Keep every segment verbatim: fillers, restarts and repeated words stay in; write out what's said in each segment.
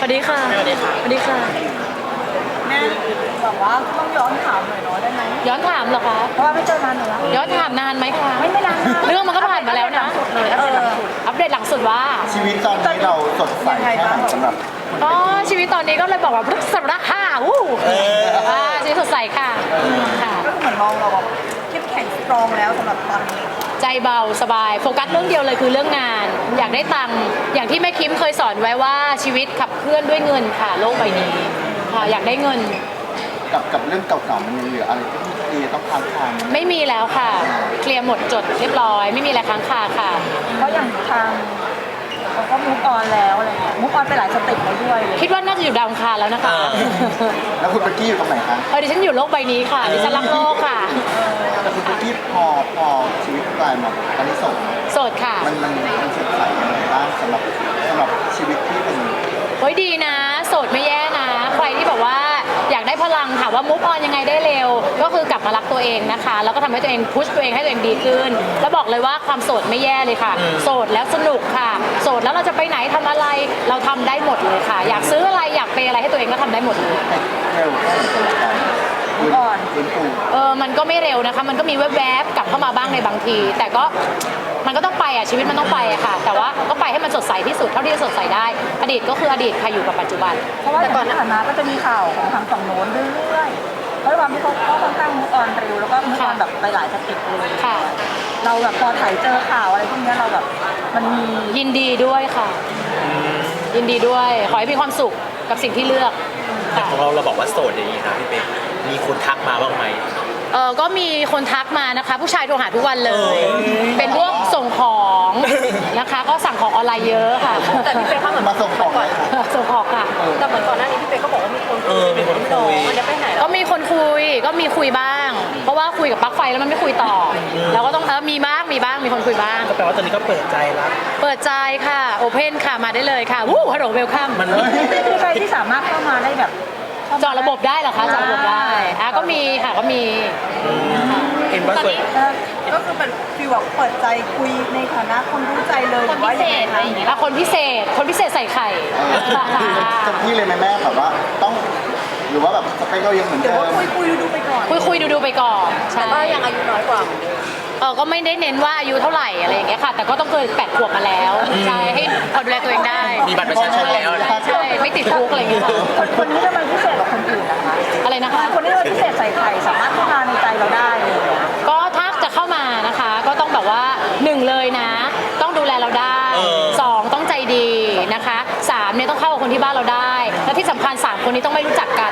วัสดีค่ะสวัสดีค่ะสวัสดีค่ะแม่บอกว่าต้องย้อนถามหน่อยเนาะได้ไหมย้อนถามเหรอคะเพราะว่าไม่เจอนานหนูแล้วย้อนถามนานไหมคะไม่ไม่นานเรื่องมันก็ผ่านมาแล้วนะอัปเดตหลังสุดว่าชีวิตตอนนี้เราสดใสแค่ไหนสำหรับอ๋อชีวิตตอนนี้ก็เลยบอกว่าพฤกษระห้าวู้อ่าชีวิตสดใสค่ะค่ะก็เหมือนมองเราแบบเข้มแข็งสตรองแล้วสำหรับตอนนี้ใจเบาสบายโฟกัสเรื่องเดียวเลยคือเรื่องงานอยากได้ตังค์อย่างที่แม่คิมเคยสอนไว้ว่าชีวิตขับเคลื่อนด้วยเงินค่ะโลกใบนี้ค่ะอยากได้เงินกับกับเรื่องเก่าๆมันยังเหลืออะไรที่พี่ต้องค้างคาไม่มีแล้วค่ะเคลียร์หมดจดเรียบร้อยไม่มีอะไรค้างคาค่ะเพราะอย่างทางเราก็มุกออนแล้วอะไรเงี้ยมุกออนไปหลายสเต็ปแล้วด้วยคิดว่าน่าจะอยู่ดาวอังคารแล้วนะคะแล้วคุณเบกกี้อยู่ตรงไหนคะเออดิฉันอยู่โลกใบนี้ค่ะดิฉันรักโลกค่ะแต่คุณเบกกี้พอพอชีวิตกลายมาตอนนี้โสดโสดค่ะมันมันมันสดใสยังไงบ้างสำหรับสำหรับชีวิตที่เป็นโอ้ยดีนะโสดไม่แย่นะใครที่แบบว่าอยากได้พลังถามว่ามุกออนยังไงได้เร็วก็คือกลับมารักตัวเองนะคะแล้วก็ทำให้ตัวเองพุชตัวเองให้ตัวเองดีขึ้นแล้วบอกเลยว่าความโสดไม่แย่เลยค่ะโสดแล้วสนุกค่ะโสดแล้วเราจะไปไหนทำอะไรเราทำได้หมดเลยค่ะอยากซื้ออะไรอยากไปอะไรให้ตัวเองก็ทำได้หมดเลยเร็วแค่ไหนก่อนเออมันก็ไม่เร็วนะคะมันก็มีแวบๆกลับเข้ามาบ้างในบางทีแต่ก็มันก็ต้องไปอ่ะชีวิตมันต้องไปอ่ะค่ะแต่ว่าก็ไปให้มันสดใสที่สุดเท่าที่จะสดใสได้อดีตก็คืออดีตค่ะอยู่กับปัจจุบันเพราะว่าก่อนหน้านั้นก็จะมีข่าวของทางฝั่งโน้นเรื่อยๆเพราะว่าพี่เขาก็ค่อนข้างมุกออนเร็วแล้วก็มุกออนแบบไปหลายสเต็ปเลยค่ะเราแบบพอถ่ายเจอข่าวอะไรพวกนี้เราแบบมันมียินดีด้วยค่ะยินดีด้วยขอให้มีความสุขกับสิ่งที่เลือกแต่ของเราเราบอกว่าโสดอย่างนี้นะพี่เป๊กมีคนทักมาบ้างไหมเออก็มีคนทักมานะคะผู้ชายโทรหาทุกวันเลยเป็นพวกส่งของนะคะก็สั่งของออนไลน์เยอะค่ะแต่พี่เป๊กเขาเหมือนมาส่งของส่งของค่ะแต่เหมือนก่อนหน้านี้พี่เป๊กก็บอกว่ามีคนคุยมีคนคุยมันจะไปไหนก็มีคนคุยก็มีคุยบ้างเพราะว่าคุยกับปลั๊กไฟแล้วมันไม่คุยต่อเราก็ต้องเออมีบ้างมีบ้างมีคนคุยบ้างก็แปลว่าตอนนี้ก็เปิดใจแล้วเปิดใจค่ะโอเพนค่ะมาได้เลยค่ะวู้ฮัลโหลเวลคัมมันมีใครที่สามารถเข้ามาได้แบบจอระบบได้เหรอคะจอระบบได้อ่ะก็มีค่ะก็มีเห็นว่าส่วนก็คือเป็นฟีลแบบเปิดใจคุยในฐานะคนรู้ใจเลยคนพิเศษอะไรอย่างเงี้ยคนพิเศษคนพิเศษใส่ไข่จะพี่เลยไหมแม่แบบว่าต้องหรือว่าแบบสเปคเรายังเหมือนเดิมคุยคุยดูไปก่อนคุยคุยดูดูไปก่อนแต่ว่ายังอายุน้อยกว่าเออก็ไม่ได้เน้นว่าอายุเท่าไหร่อะไรอย่างเงี้ยค่ะแต่ก็ต้องเกินแปดขวบมาแล้วใช่ให้พอดูแลตัวเองได้มีบัตรประชาชนแล้วใช่ไม่ติดคุกอะไรอย่างเงี้ยค่ะคนนี้ทำไมพิเศษกว่าคนอื่นนะคะอะไรนะคะคนนี้ทำไมพิเศษใส่ไข่สามารถเข้ามาในใจเราได้ก็ถ้าจะเข้ามานะคะก็ต้องแบบว่าหนึ่งเลยนะต้องดูแลเราได้สองต้องใจดีนะคะสามเนี่ยต้องเข้ากับคนที่บ้านเราได้และที่สำคัญสามคนนี้ต้องไม่รู้จักกัน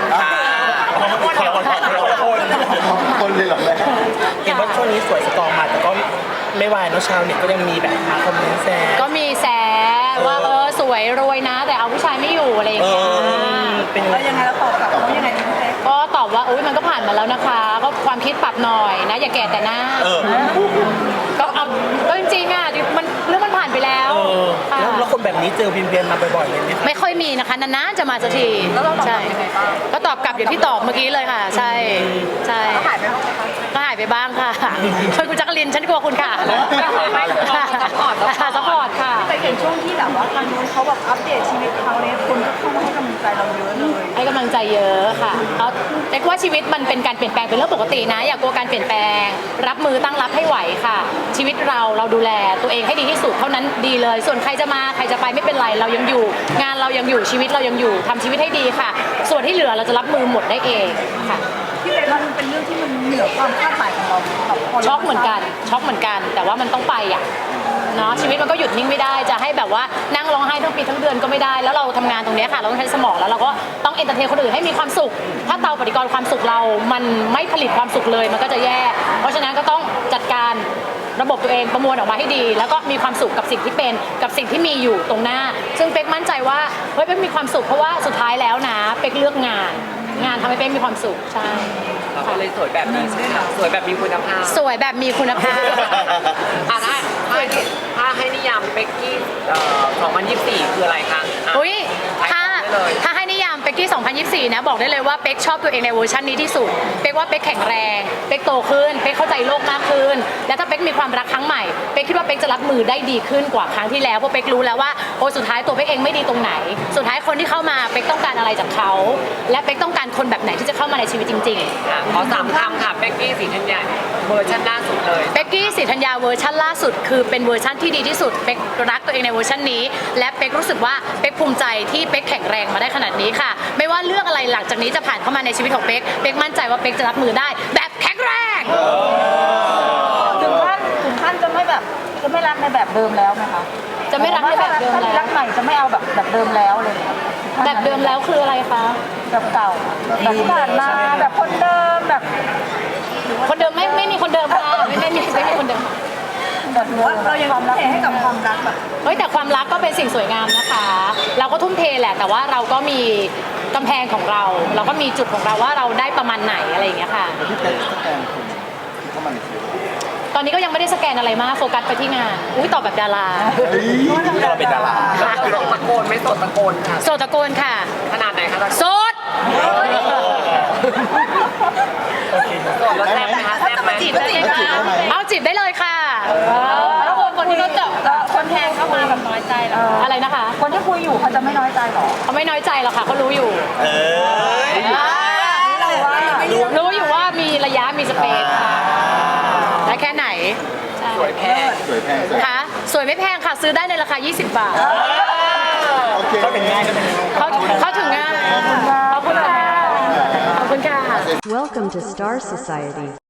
คนเลยเหรอแม่เห็นว่าช่วงนี้สวยสตรองมาแต่ก็ไม่วายเนาะชาวเน็ตก็ยังมีแบบมาคอมเมนต์แซวก็มีแซวว่าเออสวยรวยนะแต่เอาผู้ชายไม่อยู่อะไรอย่างเงี้ยเป็นยังไงแล้วตอบกลับเขายังไงดีก็ตอบว่าอุ้ยมันก็ผ่านมาแล้วนะคะก็ความคิดปรับหน่อยนะอย่าแก่แต่หน้าก็เอาก็จริงๆอ่ะมันเรื่องมันผ่านไปแล้วแล้วคนแบบนี้เจอเวียนๆมาบ่อยๆเลยไหมไม่ค่อยมีนะคะนานๆจะมาสักทีใช่ก็ตอบกลับอย่างที่ตอบเมื่อกี้เลยค่ะใช่ใช่ก็หายไปบ้างก็หายไปบ้างค่ะช่วยคุณจักรินฉันกลัวคุณค่ะไม่ซัพพอร์ตซัพพอร์ตค่ะไปเห็นช่วงที่แบบว่าทางนู้นเขาแบบอัปเดตชีวิตเขาเนี่ยคนก็เข้ามาให้กำลังใจเราเยอะเลยให้กำลังใจเยอะค่ะเขาเรียกว่าชีวิตมันเป็นการเปลี่ยนแปลงเป็นเรื่องปกตินะอย่ากลัวการเปลี่ยนแปลงรับมือตั้งรับให้ไหวค่ะชีวิตเราเราดูแลตัวเองให้ดีที่สุดเท่านั้นดีเลยส่วนใครจะมาใครจะไปไม่เป็นไรเรายังอยู่งานเรายังอยู่ชีวิตเรายังอยู่ทำชีวิตให้ดีค่ะส่วนที่เหลือเราจะรับมือหมดได้เองค่ะที่เป็นมันเป็นเรื่องที่มันเหนือความคาดหมายของเราช็อกเหมือนกันช็อกเหมือนกันแต่ว่ามันต้องไปอ่ะเนาะชีวิตมันก็หยุดนิ่งไม่ได้จะให้แบบว่านั่งร้องไห้ทั้งปีทั้งเดือนก็ไม่ได้แล้วเราทำงานตรงนี้ค่ะเราต้องใช้สมองแล้วเราก็ต้องเอนเตอร์เทนคนอื่นให้มีความสุขถ้าเตาปฏิกรณ์ความสุขเรามันไม่ผลิตความสุขเลยมันก็จะแย่เพราะฉะนั้นก็ต้องจัดการระบบตัวเองประมวลออกมาให้ดีแล้วก็มีความสุขกับสิ่งที่เป็นกับสิ่งที่มีอยู่ตรงหน้าซึ่งเป๊กมั่นใจว่าเฮ้ยเป๊กมีความสุขเพราะว่าสุดท้ายแล้วนะเป๊กเลือกงานงานทำให้เป๊กมีความสุขใช่เราเลยสวยแบบนี้ใช่ไหมคะสวยแบบมีคุณภาพสวยแบบมีคุณภาพถ้าถ้าให้นิยามเป๊กกี้สองพันยี่สิบสี่คืออะไรคะอุ้ยถ้าถ้าให้นิยามเป็กกี้ สองพันยี่สิบสี่ นะบอกได้เลยว่าเป๊กชอบตัวเองในเวอร์ชันนี้ที่สุดเป๊กว่าเป๊กแข็งแรงเป๊กโตขึ้นเป๊กเข้าใจโลกมากขึ้นและถ้าเป๊กมีความรักครั้งใหม่เป๊กคิดว่าเป๊กจะรับมือได้ดีขึ้นกว่าครั้งที่แล้วเพราะเป๊กรู้แล้วว่าโอ้สุดท้ายตัวเป๊กเองไม่ดีตรงไหนสุดท้ายคนที่เข้ามาเป๊กต้องการอะไรจากเขาและเป๊กต้องการคนแบบไหนที่จะเข้ามาในชีวิตจริงๆค่ะขอสามคำค่ะเบกกี้สีธัญญาเวอร์ชันล่าสุดเลยเป๊กกี้ศรีธัญญาเวอร์ชันล่าสุดคือเป็นเวอร์ชันที่ดีที่สุดเป๊กรักตัวเองในเวอร์ชันนี้และเป๊กรู้สึกว่าเป๊กภูมิใจที่เป๊กแข็งแรงมาได้ขนาดนี้ค่ะไม่ว่าเรื่องอะไรหลังจากนี้จะผ่านเข้ามาในชีวิตของเป๊กเป๊กมั่นใจว่าเป๊กจะรับมือได้แบบแข็งแรงถึงขั้นถึงขั้นจะไม่แบบจะไม่รักในแบบเดิมแล้วไหมคะจะไม่รักในแบบเดิมถ้ามีแล้รัวกใหม่จะไม่เอาแบบแบบเดิมแล้วเลยแบบเดิมแล้วคืออะไรคะแบบเก่าแบบที่ผ่านมาแบบคนเดิมแบบคนเดิมไม่ไม่มีคนเดิมค่ะไม่ไม่มีไม่มีคนเดิมแบบว่าเรายังความรักให้กับความรักแบบเฮ้ยแต่ความรักก็เป็นสิ่งสวยงามนะคะ เราก็ทุ่มเทแหละแต่ว่าเราก็มีกำแพงของเรา เราก็มีจุดของเราว่าเราได้ประมาณไหนอะไรอย่างเงี้ยค่ะพี่เป๊กสแกนคนที่เข้ามาในชีวิตตอนนี้ก็ยังไม่ได้สแกนอะไรมากโฟกัสไปที่งานอุ้ยตอบแบบดาราเราเป็นดาราเราตะโกนไม่สดตะโกนค่ะโสดตะโกนค่ะขนาดไหนคะตะโกนโสดสดแล้วแซ่บไหมคะแซ่บไหมจีบได้ไหมเอาจีบได้เลยค่ะแล้วคนคนที่เขาจะคนแทงเข้ามาแบบน้อยใจเหรออะไรนะคะคนที่คุยอยู่เขาจะไม่น้อยใจหรอเขาไม่น้อยใจหรอกค่ะเขารู้อยู่เอออ่าเราว่ารู้อยู่ว่ามีระยะมีสเปซค่ะและแค่ไหนสวยแพงสวยแพงสวยคะสวยไม่แพงค่ะซื้อได้ในราคา ยี่สิบบาทโอเคก็เป็นง่ายก็เป็นง่ายเขาเขาถึงง่ายขอบคุณค่ะขอบคุณค่ะ Welcome to Star Society.